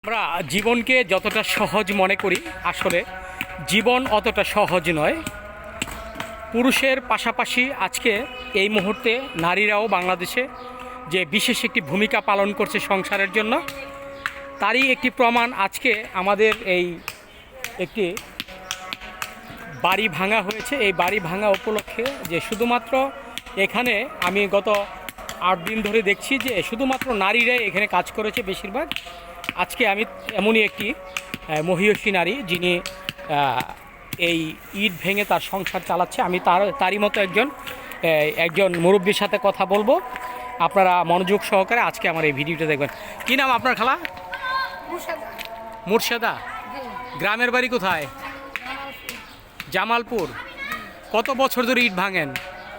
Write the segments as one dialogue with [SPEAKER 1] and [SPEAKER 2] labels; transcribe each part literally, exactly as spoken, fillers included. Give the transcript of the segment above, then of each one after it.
[SPEAKER 1] আমরা জীবনকে যতটা সহজ মনে করি আসলে জীবন অতটা সহজ নয়। পুরুষের পাশাপাশি আজকে এই মুহূর্তে নারীরাও বাংলাদেশে যে বিশেষ একটি ভূমিকা পালন করছে সংসারের জন্য, তারই একটি প্রমাণ আজকে আমাদের এই একটি বাড়ি ভাঙা হয়েছে। এই বাড়ি ভাঙা উপলক্ষে যে শুধুমাত্র এখানে আমি গত আট দিন ধরে দেখছি যে শুধুমাত্র নারীরাই এখানে কাজ করেছে বেশিরভাগ। আজকে আমি এমনই একটি মহিয়সী নারী যিনি এই ইট ভেঙে তার সংসার চালাচ্ছে, আমি তার তারই মতো একজন একজন মুরব্বীর সাথে কথা বলবো। আপনারা মনোযোগ সহকারে আজকে আমার এই ভিডিওটা দেখবেন। কি নাম আপনার খালা? মুর্শেদা। গ্রামের বাড়ি কোথায়? জামালপুর। কত বছর ধরে ইট ভাঙেন?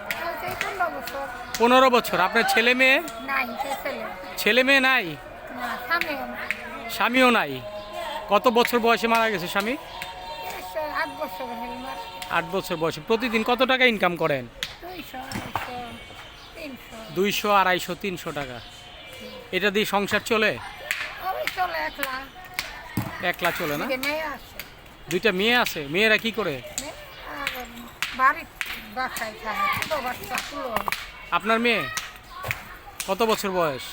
[SPEAKER 1] পনেরো বছর। আপনার ছেলে মেয়ে? ছেলে মেয়ে নাই? স্বামীও নাই? কত বছর বয়সে মারা গেছে স্বামী? আট বছর বয়সে। প্রতিদিন কত টাকা ইনকাম করেন? দুইশো আড়াইশো তিনশো টাকা। এটা দিয়ে সংসার চলে? একলা চলে না? দুইটা মেয়ে আছে। মেয়েরা কি করে? আপনার মেয়ে কত বছর বয়স?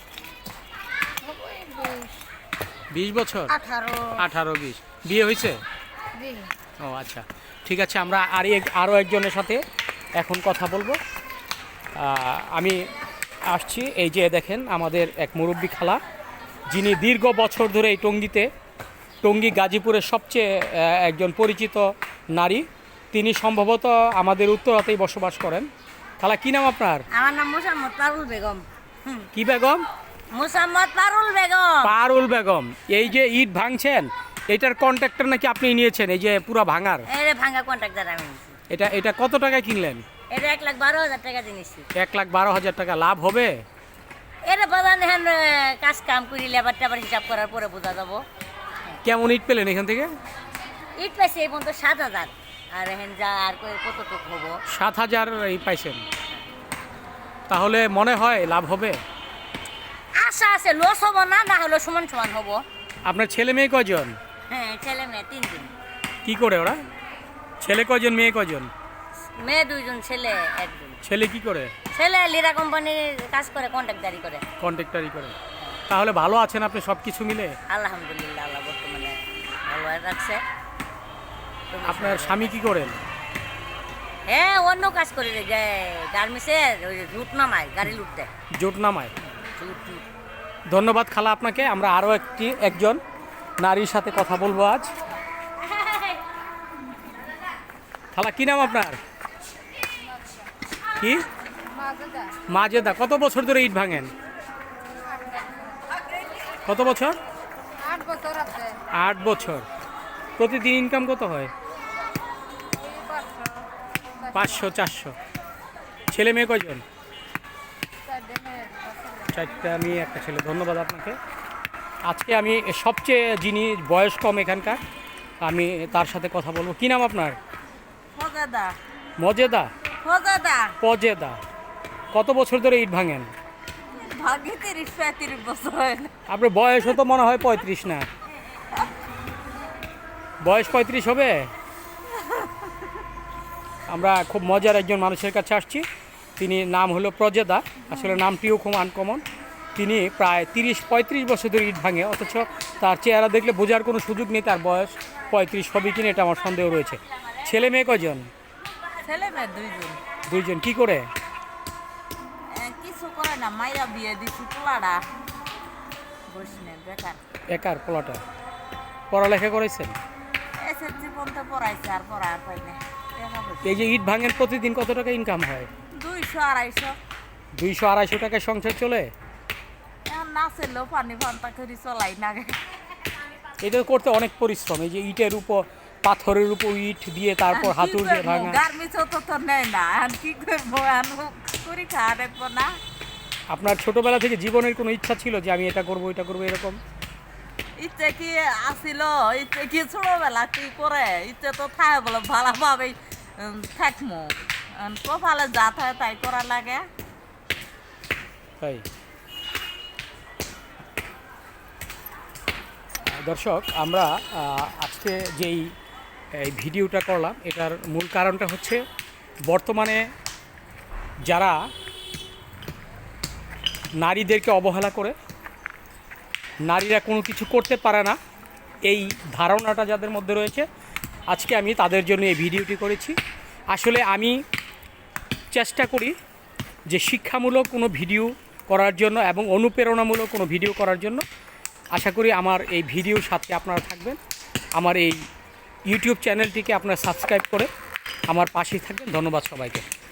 [SPEAKER 1] বিশ বছর? আঠারো বিশ। বিয়ে হয়েছে? ও আচ্ছা, ঠিক আছে। আমরা আর আরও একজনের সাথে এখন কথা বলবো। আমি আসছি, এই যে দেখেন আমাদের এক মুরব্বী খালা, যিনি দীর্ঘ বছর ধরে এই টঙ্গীতে, টঙ্গী গাজীপুরের সবচেয়ে একজন পরিচিত নারী। তিনি সম্ভবত আমাদের উত্তরাতেই বসবাস করেন। খালা কি নাম আপনার?
[SPEAKER 2] আমার নাম মোসাম্মদ পারুল বেগম।
[SPEAKER 1] কি বেগম?
[SPEAKER 2] মোসাম্মদ পারুল বেগম।
[SPEAKER 1] পারুল বেগম। এই যে ইট ভাঙছেন, এটার কন্ট্রাক্টর নাকি আপনি নিয়েছেন? এই যে পুরো ভাঙার
[SPEAKER 2] এর ভাঙা কন্ট্রাক্টর আমি।
[SPEAKER 1] এটা এটা কত টাকায় কিনলেন?
[SPEAKER 2] এটা এক লাখ বারো হাজার টাকা দিয়েছি।
[SPEAKER 1] এক লাখ বারো হাজার টাকা। লাভ হবে?
[SPEAKER 2] এর বাজান হেন কাজ কাম করি লেবার টেবার হিসাব করার পরে বোঝা যাবো।
[SPEAKER 1] কেমন ইট পেলেন এখান থেকে?
[SPEAKER 2] ইট পাইছি এই পর্যন্ত সাত হাজার। আর হেন যা আর কতটুক হবো?
[SPEAKER 1] সাত হাজার এই পাইছেন। তাহলে মনে হয় লাভ হবে?
[SPEAKER 2] আশা আছে, লস হবো না, না হলে সমান সমান হবো।
[SPEAKER 1] আপনার ছেলে মেয়ে কয়জন?
[SPEAKER 2] হ্যাঁ, ছেলে মেয়ে তিনজন।
[SPEAKER 1] কি করে ওরা? ছেলে কয়জন, মেয়ে কয়জন?
[SPEAKER 2] মেয়ে দুইজন, ছেলে একজন।
[SPEAKER 1] ছেলে কি করে?
[SPEAKER 2] ছেলে লিরা কোম্পানির কাজ করে, কন্ট্রাক্টদারি করে।
[SPEAKER 1] কন্ট্রাক্টরি করে। তাহলে ভালো আছেন আপনি সব কিছু মিলে?
[SPEAKER 2] আলহামদুলিল্লাহ, আল্লাহ বর্তমানে ভালো রাখছে।
[SPEAKER 1] আপনার স্বামী কি করেন?
[SPEAKER 2] হ্যাঁ, অন্য কাজ করে গার্মেন্টসের ওই রুট নামায়, গাড়ি লুটতে।
[SPEAKER 1] জোট নামায়। ধন্যবাদ খালা আপনাকে। আমরা আরও একটি একজন নারীর সাথে কথা বলবো আজ। খালা কি নাম আপনার? কি? মাজেদা। কত বছর ধরে ইট ভাঙেন? কত বছর? আট বছর। প্রতিদিন ইনকাম কত হয়? পাঁচশো চারশো। ছেলে মেয়ে কয়জন? চারটা মেয়ে, একটা ছেলে। ধন্যবাদ আপনাকে। আজকে আমি সবচেয়ে যিনি বয়স কম এখানকার, আমি তার সাথে কথা বলবো। কি নাম আপনার? মজেদা। পজেদা। কত বছর ধরে ইট ভাঙেন? আপনার বয়সও তো মনে হয় পঁয়ত্রিশ না? বয়স পঁয়ত্রিশ হবে? আমরা খুব মজার একজন মানুষের কাছে আসছি। তিনি নাম হলো প্রজেদা। আসলে নামটিও খুব আনকমন। তিনি প্রায় তিরিশ পঁয়ত্রিশ বছর ধরে ইট ভাঙে, অথচ তার চেহারা দেখলে বোঝার কোনো সুযোগ নেই তার বয়স পঁয়ত্রিশ হবে কিনা, এটা আমার সন্দেহ রয়েছে। ছেলে মেয়ে কয়জন?
[SPEAKER 2] ছেলে মেয়ে দুইজন।
[SPEAKER 1] দুইজন। কি করে?
[SPEAKER 2] কিছু করে না, মাইয়া বিয়ে দিছি, পোলাটা বসনে বেকার।
[SPEAKER 1] একার পোলাটা। পড়ালেখা করেছেন?
[SPEAKER 2] এসএসসি পর্যন্ত পড়াইছে, আর পড়া আর পাই না।
[SPEAKER 1] এই যে ইট ভাঙেন, প্রতিদিন কত টাকা ইনকাম হয়?
[SPEAKER 2] দুইশো আড়াইশো।
[SPEAKER 1] দুইশো আড়াইশো টাকায় সংসার চলে?
[SPEAKER 2] এখন না চললেও পানি ফান্তা করে চলাই না।
[SPEAKER 1] এটা করতে অনেক পরিশ্রম। এই যে ইটের উপর, পাথরের উপর ইট দিয়ে তারপর হাতুড় দিয়ে ভাঙা।
[SPEAKER 2] গার্মেন্টসও তো তো নেয় না, এখন কি করবো? এখন করি খাওয়া দেখবো না।
[SPEAKER 1] আপনার ছোটবেলা থেকে জীবনের কোনো ইচ্ছা ছিল যে আমি এটা করবো এটা করবো এরকম?
[SPEAKER 2] ইচ্ছে কি আসিল? ইচ্ছে কি ছোটবেলা কি করে? ইচ্ছে তো থাকে বলে ভালোভাবেই থাকবো। কপালে যা থাকে তাই করা লাগে।
[SPEAKER 1] তাই দর্শক আমরা আহ, আজকে যেই এই ভিডিওটা করলাম এটার মূল কারণটা হচ্ছে বর্তমানে যারা নারীদেরকে অবহেলা করে, নারীরা কোনো কিছু করতে পারে না, এই ধারণাটা যাদের মধ্যে রয়েছে, আজকে আমি তাদের জন্য এই ভিডিওটি করেছি। আসলে আমি চেষ্টা করি যে শিক্ষামূলক কোনো ভিডিও করার জন্য এবং অনুপ্রেরণামূলক কোনো ভিডিও করার জন্য। আশা করি আমার এই ভিডিওর সাথে আপনারা থাকবেন, আমার এই ইউটিউব চ্যানেলটিকে আপনারা সাবস্ক্রাইব করে আমার পাশেই থাকবেন। ধন্যবাদ সবাইকে।